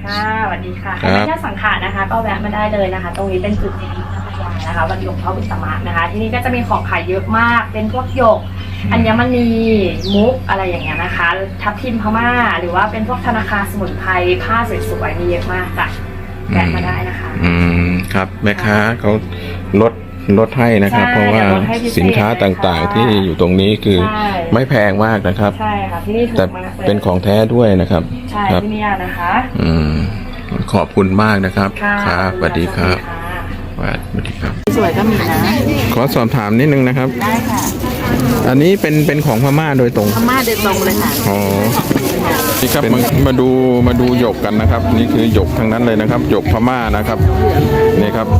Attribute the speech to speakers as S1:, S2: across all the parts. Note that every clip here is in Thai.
S1: ค่ะสวัสดีค่ะไม่ใช่สังขารนะคะก็แวะมาได้เลยนะคะ ตรงนี้เป็นจุดเด่นพัทยานะคะวันหยกพ่ออุตมะนะคะที่นี่ก็จะมีของขายเยอะมากเป็นพวกหยกอัญมณีมุกอะไรอย่างเงี้ยนะคะทับทิมพม่าหรือว่าเป็นพวกธนาคารสมุนไพรผ้าสวยๆมีเยอะมากค่ะแวะมาได้นะคะ
S2: ครับแม่ค้าเขาลดให้นะครับเพราะว่าสินค้าต่างๆที่อยู่ตรงนี้คือไม่แพงมากนะครับ
S1: ใช่ค่ะที่นี่ถูกมากเลย
S2: แต่เป็นของแท้ด้วยนะครับ
S1: ใช่ที่นี่นะคะ
S2: ขอบคุณมากนะครับครับสวัสดีครับสวัสดีครับ
S1: สวยก็มีนะ
S2: ขอสอบถามนิดนึงนะครับ
S1: ได้ค่ะ
S2: อันนี้เป็นของพม่าโดยตรง
S1: พม่าโดยตรงเลยค่ะ
S2: อ๋อนี่ครับมาดูหยกกันนะครับนี่คือหยกทั้งนั้นเลยนะครับหยกพม่านะครับนี่ครับ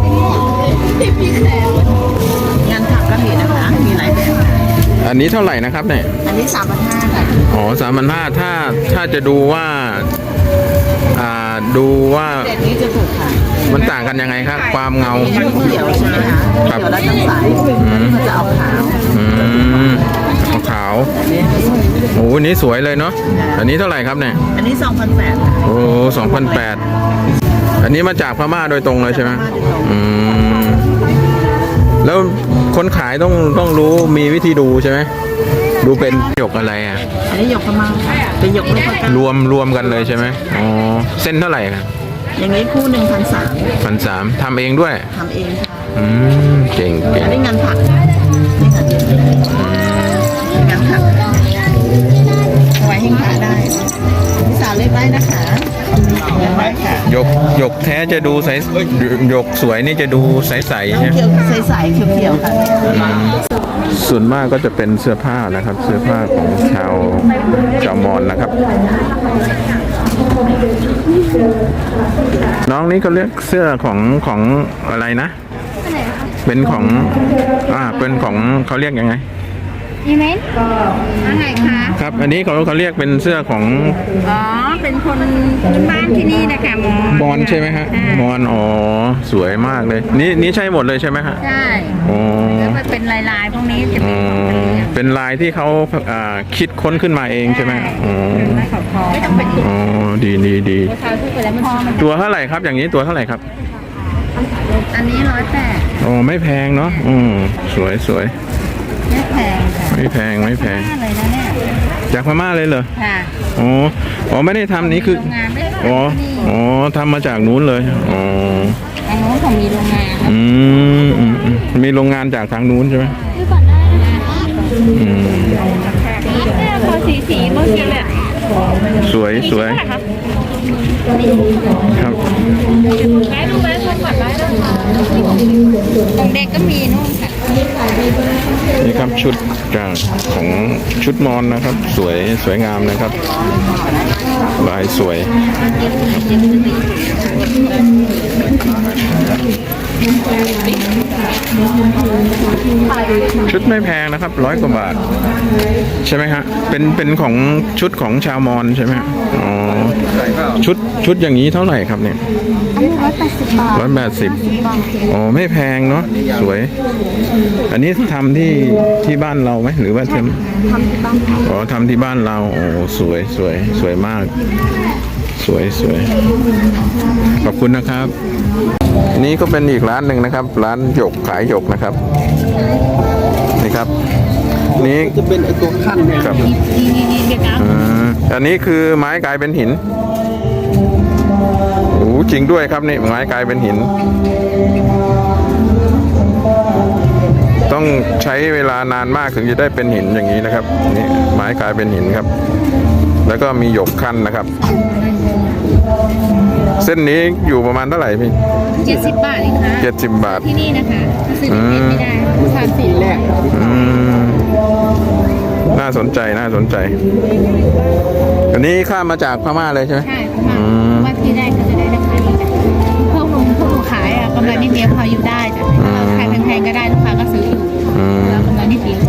S1: งานถักก็มีนะคะมีหลายแบบ
S2: อันนี้เท่าไหร่นะครับเนี่ย
S1: อันนี้3,500ค่ะ
S2: อ๋อ3,500ถ้าจะดูว่า
S1: เด็ดนี้จะถูกค่ะ
S2: มันต่างกันยังไงครับความเงา
S1: เขียวใช่ไหมคะเขียวแล้วต้องใสมันจะออกขาว
S2: ขาวโอ้โหนี้สวยเลยเนาะอันนี้เท่าไหร่ครับเนี่ย
S1: อันนี้2,800
S2: โอ้2,800อันนี้มาจากพม่าโดยตรงเลยใช่ไหมแล้วคนขายต้องรู้มีวิธีดูใช่ไหมดูเป็นหยกอะไรอ่ะ
S1: อันนี้หยกพม่าเป็นหยกไม่พอกัน
S2: รวมกันเลยใช่ไหมอ๋อเส้นเท่าไหร่ครับ
S1: อย่างนี้คู่
S2: 1,300ทำเองด้วย
S1: ทำเองค่ะ
S2: เก่ง
S1: อันนี้งานถักนี่ค่ะงานถักไว้ให้ขาได้พิสาเล็กได้นะคะ
S2: หยกแท้จะดูใสหยกสวยนี่จะดูใสๆใช่ไหม
S1: ใสๆเขียวๆค่ะ
S2: ส่วนมากก็จะเป็นเสื้อผ้านะครับเสื้อผ้าของชาวมอญนะครับน้องนี่เขาเรียกเสื้อของอะไรนะเป็นของเป็นของเขาเรียกยังไง
S1: อีเมนอะไรคะ
S2: ครับอันนี้เขาเรียกเป็นเสื้อของ
S1: เป็นคนบ้านที่นี่นะคะ
S2: มอญใช่ไหมฮะมอญอ๋อสวยมากเลยนี่ใช่หมดเลยใช่ไหมฮะ
S1: ใช่แล้วก็เป็นลายพวกนี้จะ
S2: เป็นลายที่เขาคิดค้นขึ้นมาเองใช่ไหม
S1: ไม่ต้องเป็น
S2: ดีตัวเท่าไหร่ครับอย่างนี้ตัวเท่าไหร่ครับ
S1: อันนี้180
S2: อ๋อไม่แพงเนาะสวย
S1: ไม่แพงค่ะ
S2: ไม่แพง
S1: เลยนะเนี่ย
S2: จากพม่าเลยเหรอ
S1: ค่ะ
S2: อ๋อไม่ได้ทำนี้คืออ๋อทำมาจากนู้นเลย
S1: ทางนู้นเขามีโรงงาน
S2: มีโรงงานจากทางนู้นใช่ไหม
S1: พอสีเมื่อกี้แหละ
S2: สวยครับ
S1: ได้ดูไหมคนก่อนได้นะคะของเด็กก็มีนู่นค่ะ
S2: นี่ครับชุดของชุดมอญนะครับสวยงามนะครับลายสวยชุดไม่แพงนะครับ100 กว่าบาทใช่ไหมฮะเป็นของชุดของชาวมอญใช่ไหมอ๋อชุดอย่างนี้เท่าไหร่ครับเนี่ย180อ๋อไม่แพงเนาะสวยอันนี้ทำที่บ้านเราไหมหรือว่าทำที่บ้านอ๋อทำที่บ้านเราโอ้สวยมากสวยขอบคุณนะครับนี่ก็เป็นอีกร้านหนึ่งนะครับร้านหยกขายหยกนะครับนี่ครับนี่
S1: จะเป็นไอตัวขั้น
S2: ครับอันนี้คือไม้กลายเป็นหินโอ้จริงด้วยครับนี่ไม้กลายเป็นหินต้องใช้เวลานานมากถึงจะได้เป็นหินอย่างนี้นะครับนี่ไม้กลายเป็นหินครับแล้วก็มีหยกขั้นนะครับเส้นนี้อยู่ประมาณเท่าไหร่พี่
S1: 70 บาทเองค่ะ
S2: 70 บาท
S1: ที่นี่นะคะซื้อไม่ได้ทานสินแหละ
S2: น่าสนใจอันนี้ข้ามมาจากพม่าเลยใช่ไหม
S1: ใช่ว่าที่ได้ก็จะได้ราคาดีจ้ะพวกหนูขายกำไรนิดเดียวพออยู่ได้จ้ะขายแพงๆก็ได้ลูกค้าก็ซื้ออยู่แล้วกำไรนิดเดียว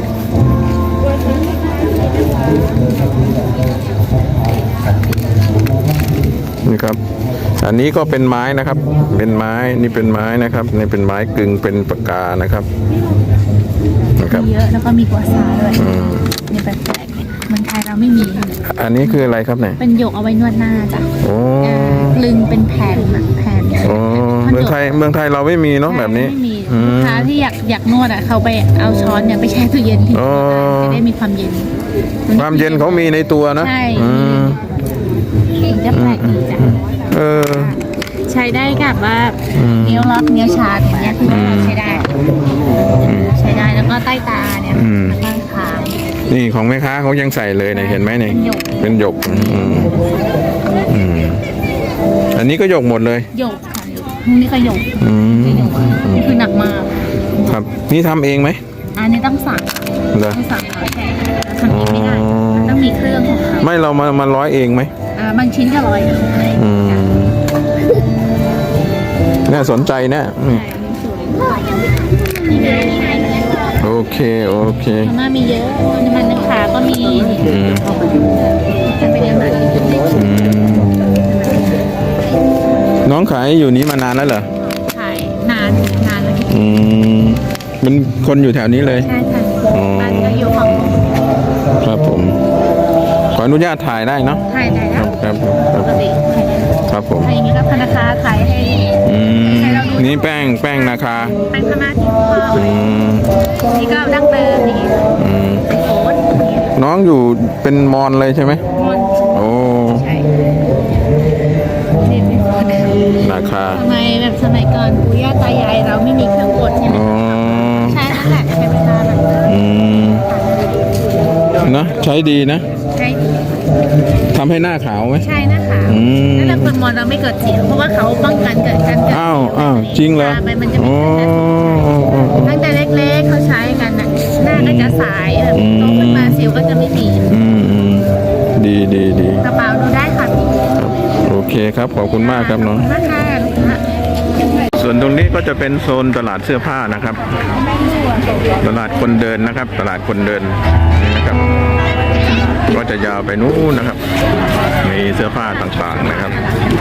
S2: นี่ครับอันนี้ก็เป็นไม้นะครับเป็นไม้นี่เป็นไม้นะครับนี่เป็นไม้กึ่งเป็นปากกานะครับ
S1: เยอะแล้วก็มีกัวซาด้วยนี่แปลกๆเหมือนไทย
S3: เราไม่มี
S2: อันนี้คืออะไรครับเนี่ย
S3: เป็นหยกเอาไว้นวดหน้าจ้ะ
S2: โอ้
S3: ลึงเป็นแผ่นอะแผ่น
S2: โอ้เมืองไทยเราไม่มีเนาะแบบนี้
S3: ไม่มี
S2: อื
S3: ลูก
S2: ม
S3: ค้าที่อยากนวดอ่ะเขาไปเอาช้อนเนี่ยไปแช่ตู้เย็นทิ้ง
S2: อ๋อ
S3: จะได้มีความเย็น
S2: ความเย็นเขามีในตัวนะ
S3: ใช่
S2: อืม
S3: ถึงจะแปลกดีจ้ะ
S2: เออ
S3: ใช้ได้กับว่า
S2: อืม
S3: นิ้วล็อกนิ้วชาอย่างเงี้ยคือว่าใช้ได้ ใช้ได้แล้วก็ใต้ตาเนี่ย
S2: อืม
S3: ข้างคาง
S2: นี่ของแม่ค้าเขายังใส่เลยเนี่ยเห็นไหมเนี่ยเป็นหยกอืมอืมอันนี้ก็หยกหมดเลย
S3: หยกค่ะหยกนี่ก็หยก
S2: อืม
S3: นี่หยกนี่คือหนักมาก
S2: ครับนี่ทำเองไหม
S3: อันนี้ต้องสั่งค่ะ
S2: เหรอ
S3: ต้องสั่งเขาทำเองไม่ได้มันต้องมีเครื่องของเขา
S2: ไม่เรามาร้อยเองไหม
S3: บางชิ้นก็100
S2: อืมน่าสนใจนะอืม
S3: นี่ไงนี่ไง
S2: โอเคโอเค
S3: พม่ามีเยอะน้ำมันขาก็มี
S2: อืม
S3: จะไปเรียนมา
S2: อืมน้องขายอยู่นี้มานานแล้วเหรอ
S3: ขายนานแล้ว
S2: อืมเป็นคนอยู่แถวนี้เลย
S3: ใช่ค่ะ
S2: อ๋อ
S3: บ้านก็อยู่ของ
S2: ครับผม ขออนุญาตถ่ายได้เนาะ
S3: ขายได้
S2: ค
S3: แล้
S2: รั
S3: ว
S2: บครับค
S3: ป
S2: รับ
S3: กติขายได้
S2: ครับผม
S3: ขายอย่างนี้ก็พนักงานขายให้
S2: อืมนี่แป้งนาคา
S3: เป็นพม่าที่พอ
S2: อืม
S3: นี่ก็ดั้งเดิมนี่
S2: อืม
S3: เป็นโอ๊ต
S2: น้องอยู่เป็นมอญเลยใช่ไหม
S3: มอน
S2: โอ้
S3: ใช่นี่เป็นโอ๊ต
S2: นาคา
S3: ทำไมแบบสมัยก่อนปู่ย่าตายายเราไม่มีเครื่องกดใช่ไหม
S2: อ๋อ
S3: ใช่นั่นแหละใช้เวลาแบบ
S2: อืมนะใช้ดีนะ
S3: ใช่
S2: ทำให้หน้าขาวไหม
S3: ใช่นะคะ
S2: อืม
S3: นั่นแหละคนมอญเราไม่เกิดเสียงเพราะว่าเขาป้องกันเกิดการเกิด
S2: อ้าวจริงเหรอ
S3: ทาไปมันจะ
S2: โอ้
S3: ตั้งแต่เล็กๆเขาใช้กันน่ะหน้าก็จะใสแบบโตขึ้นมาสิวก็จะไม่มี
S2: อืมดีดีดี
S3: กระเป๋าดูได้ค่ะพี่
S2: ครับโอเคครับขอบคุณมากครับน้อง
S3: ราคาลูกค้า
S2: ส่วนตรงนี้ก็จะเป็นโซนตลาดเสื้อผ้านะครับ ตลาดคนเดินนะครับ ตลาดคนเดินนี่นะครับ ก็จะยาวไปนู้นนะครับ มีเสื้อผ้าต่างๆนะครับ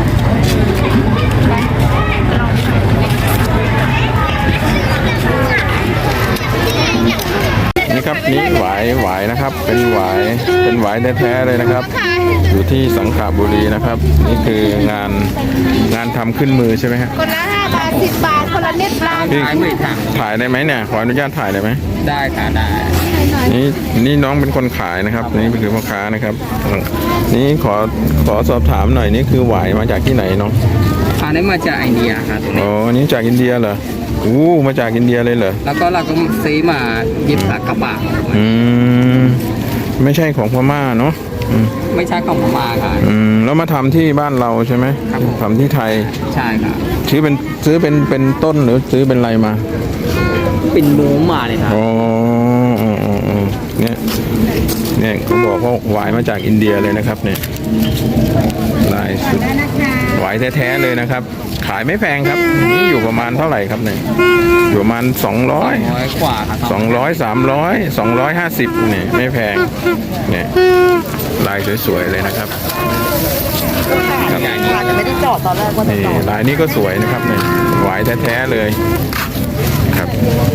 S2: นี่ครับนี่หวายนะครับ เป็นหวายแท้ๆเลยนะครับ อยู่ที่สังขบุรีนะครับ นี่คืองานทำขึ้นมือใช่ไหมฮะ
S3: คนละ5 บาท 10 บาท คนละเน็ตบาท
S2: พี่ถ่ายได้ไหมเนี่ยขออนุญาตถ่ายได้ไหม
S4: ได้ค่ะได้
S2: นี่น้องเป็นคนขายนะครับ นี่คือพ่อค้านะครับ นี่ขอสอบถามหน่อยนี่คือหวายมาจากที่ไหนน้อง
S4: อันนี้มาจากอินเดียครับ
S2: อ๋อนี่จากอินเดียเหรออู้มาจากอินเดียเลยเหรอ
S4: แล้วก็เราก็ซื้อมาหยิบกระบะ
S2: อืมไม่ใช่ของพม่าเนาะอืม
S4: ไม่ใช่ของพม่าค่ะ
S2: แล้วมาทำที่บ้านเราใช่ไหม
S4: ครับผม
S2: ทำที่ไทย
S4: ใช่ค่ะ
S2: ซื้อเป็นต้นหรือซื้อเป็นอะไรมา
S4: เป็นหมูมาเลยครับ
S2: อ๋อเนี่ยเขาบอกว่าหวายมาจากอินเดียเลยนะครับเนี่ยลายสุดหวายแท้ๆเลยนะครับ ขายไม่แพงครับนี่อยู่ประมาณเท่าไหร่ครับเนี่ยอยู่ประมาณ200
S4: 200 กว่าครับ
S2: 200 300 250เนี่ยไม่แพงเนี่ยลายสวยๆเลยนะครับครับ
S1: จะไม่ได้จอดตอนแรกว่าจะ
S2: นี่
S1: จอด
S2: ลายนี้ก็สวยนะครับเนี่ยหวายแท้ๆเลยครับ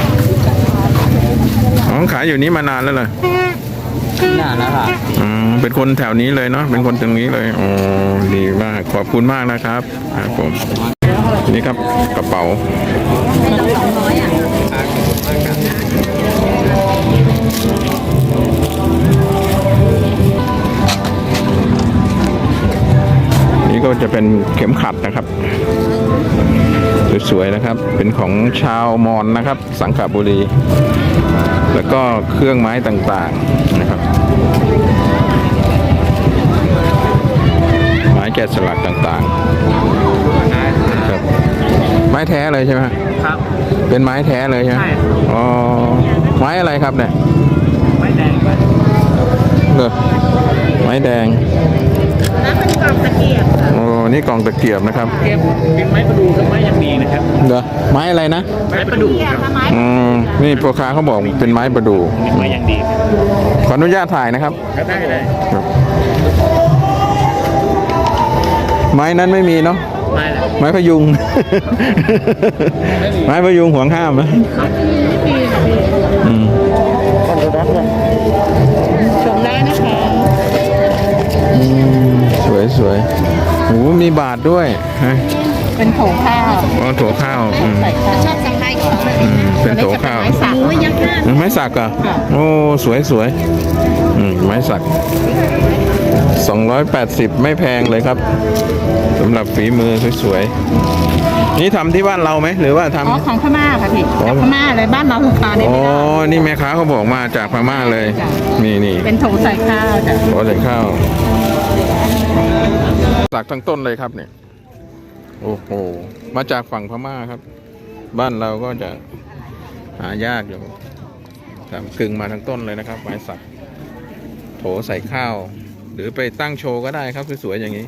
S2: อ๋อขายอยู่นี้มานานแล้วเหรอ
S4: นานแล้วค่ะ
S2: เป็นคนแถวนี้เลยเนาะ เป็นคนตรงนี้เลย อ๋อ ดีมาก ขอบคุณมากนะครับครับผม นี่ครับกระเป๋า นี่ก็จะเป็นเข็มขัดนะครับ สวยๆนะครับ เป็นของชาวมอญนะครับ สังขบุรี แล้วก็เครื่องไม้ต่างๆนะครับ ไม้แกะสลักต่างๆครับไม้แท้เลยใช่ไหมฮะ
S4: ครับ
S2: เป็นไม้แท้เลยใช่ไหม
S4: ใช่
S2: อ๋อ ไม้อะไรครับเนี่ย
S4: ไม่แดง
S2: เหรอไม้แดง
S3: แล้วเป็นกล่องตะเกียบค่ะ
S2: โอ้นี่กล่องตะเกียบนะครับ
S4: เก็บเป็นไม้ประดูกับไม้ยังดีนะครับ
S2: เหรอไม้อะไรนะ
S4: ไม้ประดูครับ
S3: ไม้
S2: นี่พ่อค้าเขาบอกเป็นไม้ประดู่
S4: ไม้ยังดีครับ
S2: ขออนุญาตถ่ายนะครับ
S4: ก็ได้เลย
S2: ไม้นั้นไม่มีเนาะ
S4: ไม้อะไร
S2: ไม้พยุง ไม้พยุงห่วงห้ามนะอืม
S3: ชมได้นะคะ
S2: สวยสวยโอ้มีบาทด้วยฮะ
S3: เป็นโถข้าว
S2: อ๋อถั่วข้าว
S3: ใส่ข้าวชอบสั่งไทยของมัน
S2: เป็นถั่วข้าว
S3: ไม้สักโอ้ยยักษ์มาก
S2: ไม้สักอ่ะโอ้สวยสวยไม้สัก280ไม่แพงเลยครับสำหรับฝีมือสวยๆนี่ทำที่บ้านเราไหมหรือว่าทำ
S3: อ๋อของพม่าค่ะพี่จากพม่าเลยบ้านเราราคาได้
S2: อ๋อ
S3: ไม่ได้
S2: นี่แม่ค้าเขาบอกมาจากพม่าเลย
S3: จ้ะ
S2: นี่
S3: เป็นโถใส่ข้าวจ้ะ
S2: ขอใส่ข้าวสักทั้งต้นเลยครับเนี่ยโอ้โหมาจากฝั่งพม่าครับ บ้านเราก็จะหายากอยู่กึ่งมาทั้งต้นเลยนะครับไม้สักโถใส่ข้าว หรือไปตั้งโชว์ก็ได้ครับสวยๆอย่างนี้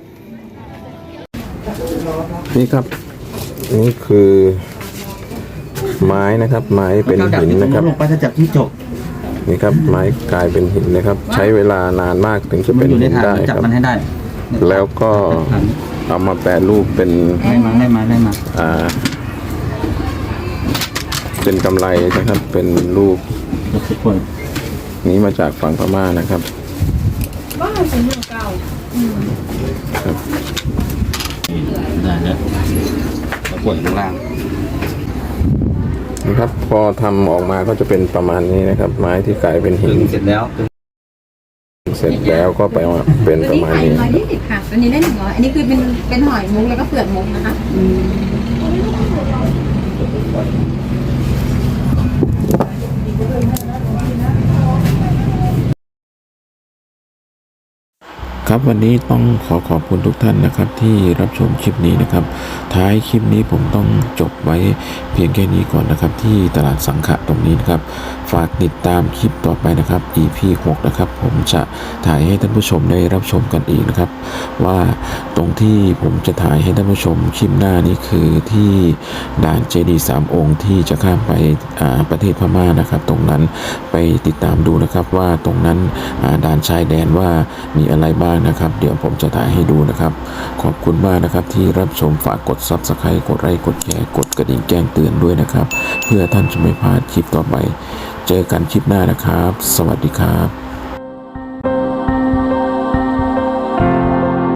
S2: นี่ครับนี่คือไม้นะครับ ไม้เป็นหินนะครับ
S5: ลงไปจะจับที่จบ
S2: นี่ครับไม้กลายเป็นหินนะครับ ใช้เวลานานมากถึงจะ
S5: มั
S2: เป็น น
S5: อยู่ใน
S2: หิน
S5: ฐาน
S2: ได้
S5: จับ
S2: ครับ
S5: มันให้ได้
S2: แล้วก็เอามาแปรรูปเป็น
S5: ได้มา
S2: เป็นกำไรนะครับ เป็นรูป
S5: ทุกคน
S2: นี้มาจากฝั่งพม่านะครับ
S5: ได้แล้วแล้วปวดข้างล่าง
S2: นะครับ พอทำออกมาก็จะเป็นประมาณนี้นะครับ ไม้ที่กลายเป็นหิน
S5: เสร็จแล้ว
S2: เสร็จแล้วก็ไปมาเป็นประมาณนี้
S3: 120ค่ะอันนี้ได้100อันนี้คือเป็นหอยมุกแล้วก็เปลือกมุกนะคะ
S2: ครับวันนี้ต้องขอบคุณทุกท่านนะครับที่รับชมคลิปนี้นะครับ ท้ายคลิปนี้ผมต้องจบไว้เพียงแค่นี้ก่อนนะครับ ที่ตลาดสังขะตรงนี้นะครับ ฝากติดตามคลิปต่อไปนะครับ EP 6นะครับผมจะถ่ายให้ท่านผู้ชมได้รับชมกันอีกนะครับ ว่าตรงที่ผมจะถ่ายให้ท่านผู้ชมคลิปหน้านี้คือที่ด่านเจดีย์3 องค์ที่จะข้ามไปประเทศพม่านะครับ ตรงนั้นไปติดตามดูนะครับว่าตรงนั้นด่านชายแดนว่ามีอะไรบ้างนะครับ เดี๋ยวผมจะถ่ายให้ดูนะครับ ขอบคุณมากนะครับที่รับชมฝากกด Subscribe กดไลค์กดแชร์กดกระดิ่งแจ้งเตือนด้วยนะครับ เพื่อท่านจะไม่พลาดคลิปต่อไป เจอกันคลิปหน้านะครับ สวัสดีครับ